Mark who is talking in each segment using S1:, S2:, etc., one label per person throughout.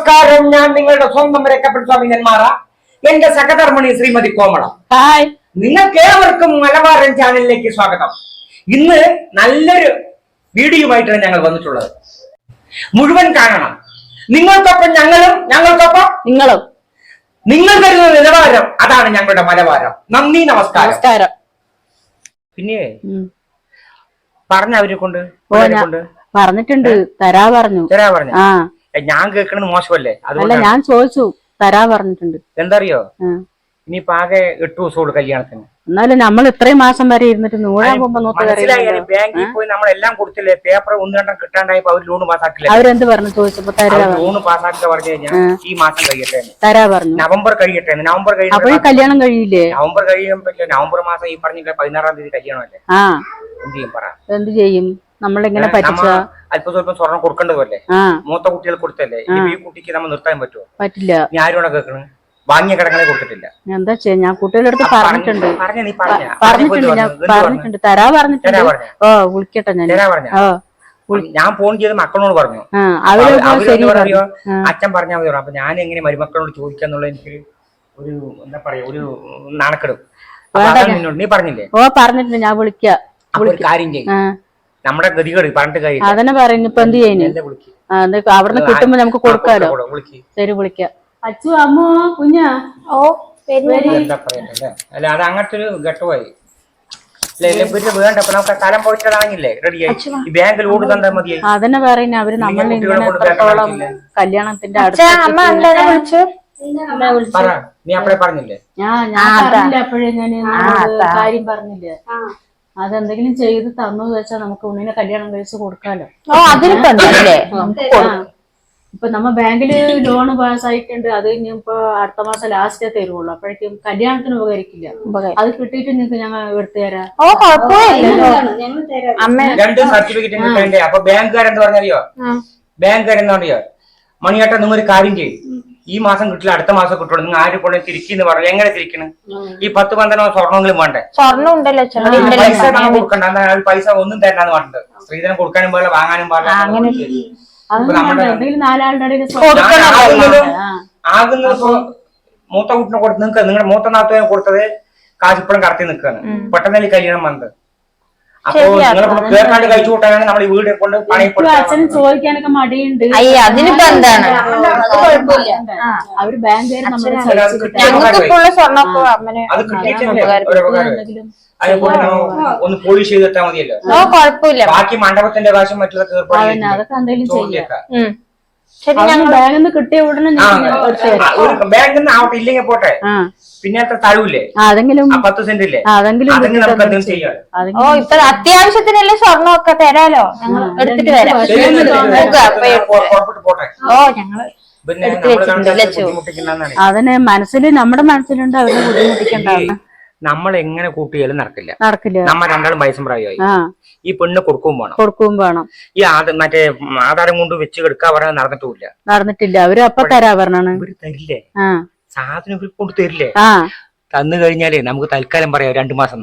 S1: നമസ്കാരം. ഞാൻ നിങ്ങളുടെ സ്വന്തം രക്കപ്പെട്ട നെന്മാറ. എന്റെ സഹധർമ്മിണി ശ്രീമതി കോമള.
S2: ഹായ്,
S1: നിങ്ങൾക്ക് ഏവർക്കും മലബാരൻ ചാനലിലേക്ക് സ്വാഗതം. ഇന്ന് നല്ലൊരു വീഡിയോയുമായിട്ടാണ് ഞങ്ങൾ വന്നിട്ടുള്ളത്. മുഴുവൻ കാണണം. നിങ്ങൾക്കൊപ്പം ഞങ്ങളും, ഞങ്ങൾക്കൊപ്പം
S2: നിങ്ങളും.
S1: നിങ്ങൾ തരുന്ന നിലവാരം അതാണ് ഞങ്ങളുടെ മലബാരം. നന്ദി, നമസ്കാരം. പിന്നെ പറഞ്ഞ അവരെ കൊണ്ട്
S2: പറഞ്ഞിട്ടുണ്ട്, തരാ പറഞ്ഞു.
S1: ഞാൻ കേൾക്കണത് മോശമല്ലേ?
S2: അല്ല, ഞാൻ ചോദിച്ചു, തരാ പറഞ്ഞിട്ടുണ്ട്.
S1: എന്തറിയോ, ഇനിയിപ്പോ ആകെ 8 ദിവസമുള്ളൂ കല്യാണത്തിന്.
S2: എന്നാലും നമ്മൾ ഇത്രയും മാസം വരെ ഇരുന്നിട്ട്
S1: ബാങ്കിൽ പോയി നമ്മളെല്ലാം കൊടുത്തില്ലേ? പേപ്പർ 1-2 കിട്ടാണ്ടായപ്പോ അവർ ലോൺ പാസ്സാക്കില്ല.
S2: അവരെന്ത് പറഞ്ഞു ചോദിച്ചപ്പോ
S1: ലോൺ പാസ്സാക്കുക പറഞ്ഞു കഴിഞ്ഞാൽ ഈ മാസം കഴിയട്ടെ,
S2: തരാ പറഞ്ഞു.
S1: നവംബർ കഴിയട്ടെ. നവംബർ
S2: കഴിയുമ്പോൾ കല്യാണം കഴിയില്ലേ?
S1: നവംബർ കഴിയുമ്പോ നവംബർ മാസം ഈ പറഞ്ഞില്ല 16-ാം തീയതി കല്യാണമല്ലേ? എന്ത് ചെയ്യും പറ? എന്ത്
S2: ചെയ്യും? നമ്മളിങ്ങനെ
S1: അല്പം സ്വല്പം സ്വർണം കൊടുക്കേണ്ടതല്ലേ? മൂത്ത കുട്ടികൾ കൊടുത്തല്ലേ? ഈ കുട്ടിക്ക് നമ്മൾ നിർത്താൻ പറ്റുമോ?
S2: പറ്റില്ല.
S1: ഞാൻ ആരോടെ കേൾക്കണ്? വാങ്ങിയ കടങ്ങളെ കൊടുത്തിട്ടില്ല.
S2: എന്താ ചെയ്യാ? ഞാൻ കുട്ടികളുടെ അടുത്ത് പറഞ്ഞിട്ടുണ്ട്, തരാ പറഞ്ഞിട്ടുണ്ട്. വിളിക്കട്ടെ
S1: ഞാൻ ഫോൺ ചെയ്ത് മക്കളോട് പറഞ്ഞു. അച്ഛൻ പറഞ്ഞാൽ മതി. അപ്പൊ ഞാൻ എങ്ങനെ മരുമക്കളോട് ചോദിക്കാന്നുള്ള എനിക്ക് ഒരു എന്താ പറയാ, ഒരു നാണക്കെടും. നീ പറഞ്ഞില്ലേ?
S2: പറഞ്ഞിട്ടുണ്ട്. ഞാൻ വിളിക്കാം.
S1: കാര്യം ചെയ്യും. നമ്മുടെ ഗതികേട് പറഞ്ഞിട്ട് കാര്യം
S2: അതന്നെ പറയുന്നു. ഇപ്പൊ എന്ത് ചെയ്യുന്നു? അവിടുന്ന് കിട്ടുമ്പോ നമുക്ക് കൊടുക്കാലോ. ശരി, വിളിക്കാം. അച്ചു, അമ്മോ, കുഞ്ഞാ.
S1: എന്താ പറയണ്ടല്ലേ? അല്ല, അത് അങ്ങനത്തെ ഒരു ഘട്ടമായി വേണ്ട. നമുക്ക് സ്ഥലം പോയിട്ടാണെങ്കിലേ റെഡിയായി. ഈ ബാങ്ക് ലോഡ് തന്നാ മതി.
S2: അതന്നെ പറയുന്നത്. അവര് നമ്മളെ കല്യാണത്തിന്റെ
S1: നീ അപ്പഴേ പറഞ്ഞില്ലേ?
S2: അപ്പോഴേ ഞാൻ കാര്യം പറഞ്ഞില്ലേ? അതെന്തെങ്കിലും ചെയ്ത് തന്നു വെച്ചാൽ നമുക്ക് ഉണ്ണിനെ കല്യാണം കഴിച്ച് കൊടുക്കാലോ. ഇപ്പൊ നമ്മ ബാങ്കില് ലോൺ പാസ്സായിട്ടുണ്ട്. അത് ഇനിയിപ്പോ അടുത്ത മാസം ലാസ്റ്റേ തരുള്ളൂ. അപ്പോഴേക്കും കല്യാണത്തിന് ഉപകരിക്കില്ല. അത് കിട്ടിയിട്ട് നിങ്ങൾക്ക് ഞങ്ങൾ എടുത്തു തരാം.
S1: രണ്ട് സർട്ടിഫിക്കറ്റ് കിട്ടണ്ടേ? അപ്പൊ ബാങ്കുകാരെന്ത് പറഞ്ഞറിയോ? ബാങ്കുകാരെന്താ അറിയോ? മണിയേട്ട, നിങ്ങൾ ഒരു കാര്യം ചെയ്യും. ഈ മാസം കിട്ടില്ല, അടുത്ത മാസം കിട്ടുള്ളൂ. നിങ്ങൾ ആര് കൊണ്ട് തിരിക്കുന്നു പറഞ്ഞു. എങ്ങനെ തിരിക്കണം? ഈ 10-15 സ്വർണ്ണമെങ്കിലും വേണ്ടേ?
S3: സ്വർണ്ണം ഉണ്ടല്ലോ,
S1: പൈസ നമ്മൾ കൊടുക്കണ്ട. പൈസ ഒന്നും തരണ്ടാന്ന് പറഞ്ഞത്. സ്ത്രീധനം കൊടുക്കാനും പാടില്ല, വാങ്ങാനും പാടില്ല. ആകുന്നത് മൂത്ത കുട്ടിനെ കൊടുത്ത് നിങ്ങൾക്ക് നിങ്ങളുടെ മൂത്ത നാത്തുവിനെ കൊടുത്തത് കാശിപ്പുറം കടത്തി നിൽക്കുകയാണ്. പെട്ടെന്ന് കല്യാണം വന്നത്. അപ്പൊ നിങ്ങൾ കേൾക്കാണ്ട് കഴിച്ചു കൂട്ടാനാണ് നമ്മൾ ഈ വീട് കൊണ്ട്
S2: അച്ഛനും ചോദിക്കാനൊക്കെ മടിയുണ്ട്.
S3: അതിനിപ്പോ എന്താണ്?
S2: അവര് ബാങ്കുകാർ
S1: അത് കിട്ടിയിട്ടില്ലേ? ഒന്ന് പോളിഷ് ചെയ്തിട്ടാ മതിയല്ലോ.
S3: കുഴപ്പമില്ല.
S1: ബാക്കി മണ്ഡപത്തിന്റെ കാശം മറ്റുള്ള
S2: അതൊക്കെ എന്തെങ്കിലും ബാങ്കിൽ നിന്ന് കിട്ടിയ ഉടനെ
S1: ബാങ്കിൽ നിന്ന് ആവട്ടെ, ഇല്ലെങ്കിൽ പോട്ടെ. പിന്നെ അത്ര തരൂല്ലേ?
S2: അതെങ്കിലും
S1: 10 സെന്റ് ഇല്ലേ?
S2: അതെങ്കിലും
S1: നമുക്ക് എന്തെങ്കിലും ചെയ്യാം.
S3: ഇപ്പൊ അത്യാവശ്യത്തിനല്ലേ സ്വർണ്ണമൊക്കെ തരാലോ. ഞങ്ങൾ എടുത്തിട്ട് വരാം.
S1: പോട്ടെ.
S3: ഞങ്ങള്
S2: അതിന് മനസ്സിൽ, നമ്മുടെ മനസ്സിലുണ്ട് അവരെ ബുദ്ധിമുട്ടിക്കണ്ടാവുന്ന.
S1: നമ്മൾ എങ്ങനെ കൂട്ടിയാലും നടക്കില്ല. നമ്മ രണ്ടാളും വയസ്സും പ്രായമായി. ഈ പെണ്ണ് കൊടുക്കും വേണം. ഈ മറ്റേ ആധാരം കൊണ്ട് വെച്ച് കിടക്കാ പറഞ്ഞാൽ നടന്നിട്ടില്ല.
S2: അവര് അപ്പൊ തരാ പറഞ്ഞാണ്.
S1: ഇവര് തരില്ലേ? സാധനം ഇവർ കൊണ്ട് തരില്ലേ? തന്നു കഴിഞ്ഞാലേ നമുക്ക് തൽക്കാലം പറയാം 2 മാസം.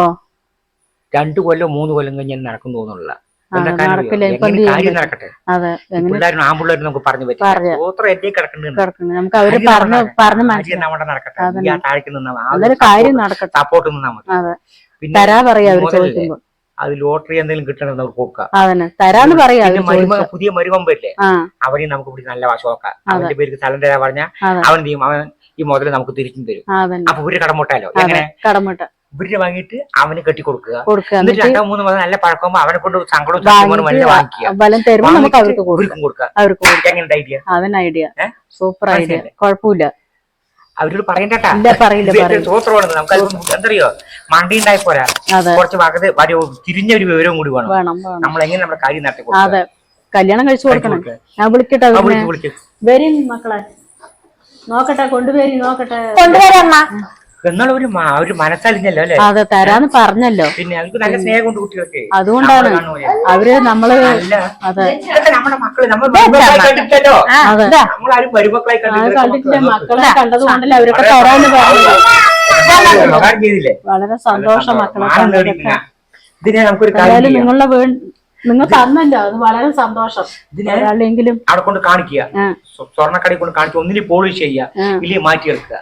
S1: 2 കൊല്ലം 3 കൊല്ലം കഴിഞ്ഞാൽ നടക്കും തോന്നുന്നില്ല. കാര്യം നടക്കട്ടെ. പിള്ളേരും ആൺപിള്ളേരും നമുക്ക് പറഞ്ഞു പറ്റും. സപ്പോർട്ട് നിന്നാ മതി. പിന്നെ അത് ലോട്ടറി എന്തെങ്കിലും കിട്ടണമെന്ന് നമുക്ക് കൊടുക്കാം. പുതിയ മരുമമ്പല്ലേ, അവനെ നമുക്ക് ഇവിടെ നല്ല വശമാക്കാം. അവന്റെ പേർക്ക് സ്ഥലം തരാ പറഞ്ഞാൽ അവൻ ചെയ്യും. അവൻ ഈ മുതല് നമുക്ക് തിരിച്ചും തരും. അപ്പൊ ഇവര് കടമുട്ടാലോ. എങ്ങനെ ഇവര് വാങ്ങിയിട്ട് അവന് കെട്ടി കൊടുക്കുക. എന്നിട്ട് 2-3 മാസം നല്ല പഴക്കുമ്പോ അവനെ കൊണ്ട് സങ്കടവും
S2: ഐഡിയ സൂപ്പർ ഐഡിയ. കുഴപ്പമില്ല.
S1: അവരോട് പറയണ്ടട്ടാ. സൂത്രമാണ്. നമുക്ക് എന്തറിയോ, മണ്ടി ഉണ്ടായി പോരാ. കുറച്ച് ഭാഗത്ത് തിരിഞ്ഞൊരു വിവരവും കൂടി വേണം. നമ്മൾ എങ്ങനെ നമ്മുടെ കാര്യം നടത്തി കൊടുക്കും.
S2: അതെ, കല്യാണം കഴിച്ചു കൊടുക്കണം. ഞാൻ വിളിക്കട്ടെ. വരും മക്കളെ, നോക്കട്ടെ, കൊണ്ടുവരി, നോക്കട്ടെ.
S3: കൊണ്ടുവരാമ്മ.
S1: എന്നുള്ള ഒരു മനസ്സലിഞ്ഞല്ലോ അല്ലെ?
S2: അതെ, തരാന്ന് പറഞ്ഞല്ലോ.
S1: പിന്നെ അവർക്ക് നല്ല സ്നേഹം കൊണ്ട് കുട്ടികൾക്ക്.
S2: അതുകൊണ്ടാണ് അവര് നമ്മള്
S1: നമ്മുടെ മക്കള് കണ്ടിട്ടില്ലല്ലോ. നമ്മളാരും മരുമക്കളായി
S2: കണ്ടിട്ടില്ല. മക്കളെ കണ്ടത് കൊണ്ടല്ലേ അവരൊക്കെ തരാന്ന് പറഞ്ഞത്. വളരെ സന്തോഷം മക്കളെ.
S1: ഇതിനെ നമുക്കൊരു കാര്യം,
S2: നിങ്ങളുടെ നിങ്ങൾ തന്നല്ലോ അത് വളരെ സന്തോഷം. ഒരാളെങ്കിലും
S1: അവിടെ കൊണ്ട് കാണിക്കുക, സ്വർണ്ണക്കടയിൽ കൊണ്ട് കാണിക്കുക, ഒന്നിന് പോളിഷ് ചെയ്യുക, ഇല്ലെങ്കിൽ മാറ്റിയെടുക്കുക.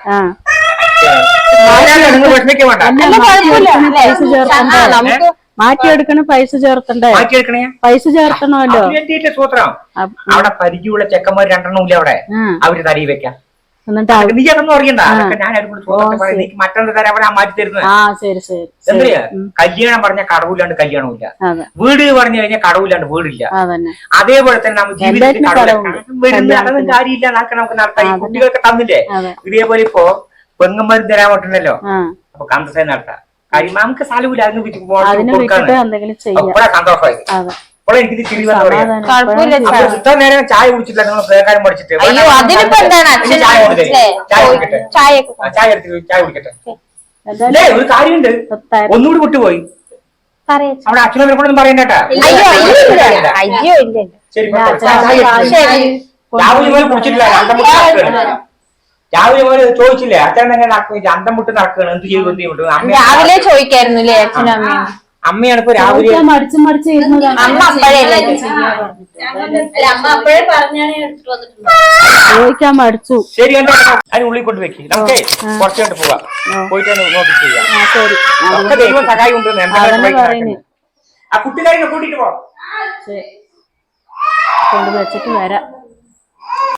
S2: മാറ്റിയെടുക്കണ പൈസ ചേർത്തണ്ടേ?
S1: മാറ്റിയെടുക്കണേ,
S2: പൈസ ചേർത്തണമല്ലോ.
S1: സൂത്രം അവിടെ പരിചയമുള്ള ചെക്കന്മാർ 2 ഇല്ല അവിടെ, അവര് തടി വെക്കാം.
S2: എന്നിട്ട്
S1: നീ അതൊന്നും അറിയണ്ട, ഞാൻ മറ്റൊന്ന് തരാൻ അവിടെ മാറ്റി തരുന്നത്. എന്താ കല്യാണം പറഞ്ഞ കടവില്ലാണ്ട് കല്യാണമില്ല, വീട് പറഞ്ഞു കഴിഞ്ഞാൽ കടവില്ലാണ്ട് വീടില്ല. അതേപോലെ തന്നെ നമ്മൾ ജീവിതത്തിൽ അതൊന്നും കാര്യമില്ല, നമുക്ക് നടത്താം. ഈ കുട്ടികൾക്ക് തന്നില്ലേ, ഇതേപോലെ ഇപ്പൊ പെങ്ങന്മാരും തരാൻ പറ്റുന്നല്ലോ, അപ്പൊ കന്തസേ നടത്താം. കാര്യം നമുക്ക് സ്ഥലമില്ല, സന്തോഷമായി. അപ്പോൾ എനിക്കിത് ചിരി വന്നു പറയാം. ഇത്ര നേരം ചായ കുടിച്ചിട്ടില്ല, നിങ്ങൾ പേക്കാരും പഠിച്ചിട്ട് ചായ കുടിക്കട്ടെ. അല്ലേ ഒരു കാര്യമുണ്ട്, ഒന്നുകൂടി വിട്ടുപോയി. അവിടെ അച്ഛനും കൊണ്ടൊന്നും പറയണ്ടേട്ടാ. ശരി, രാവിലെ പോലെ കുടിച്ചിട്ടില്ല, രാവിലെ പോലെ ചോദിച്ചില്ലേ അച്ഛൻ എങ്ങനെ അന്തം മുട്ട് നടക്കുകയാണ്, എന്ത് ചെയ്തു?
S3: രാവിലെ ചോദിക്കായിരുന്നില്ലേ അച്ഛനും അമ്മയും?
S1: അമ്മയാണ് ഇപ്പൊ രാവിലെ
S3: അമ്മ അപ്പഴേ
S2: ചോദിക്കാൻ മടിച്ചു.
S1: ശരി, അതിന് ഉള്ളിൽ കൊണ്ട് വെക്കി, നമുക്ക് കുറച്ച് കണ്ട് പോവാം, പോയിട്ട് നോക്കി ചെയ്യാം. ദൈവം സഹായം ഉണ്ട്. ആ കുട്ടികാരിനെ കൂട്ടിട്ട് പോവാം,
S2: കൊണ്ട് വെച്ചിട്ട് വരാം.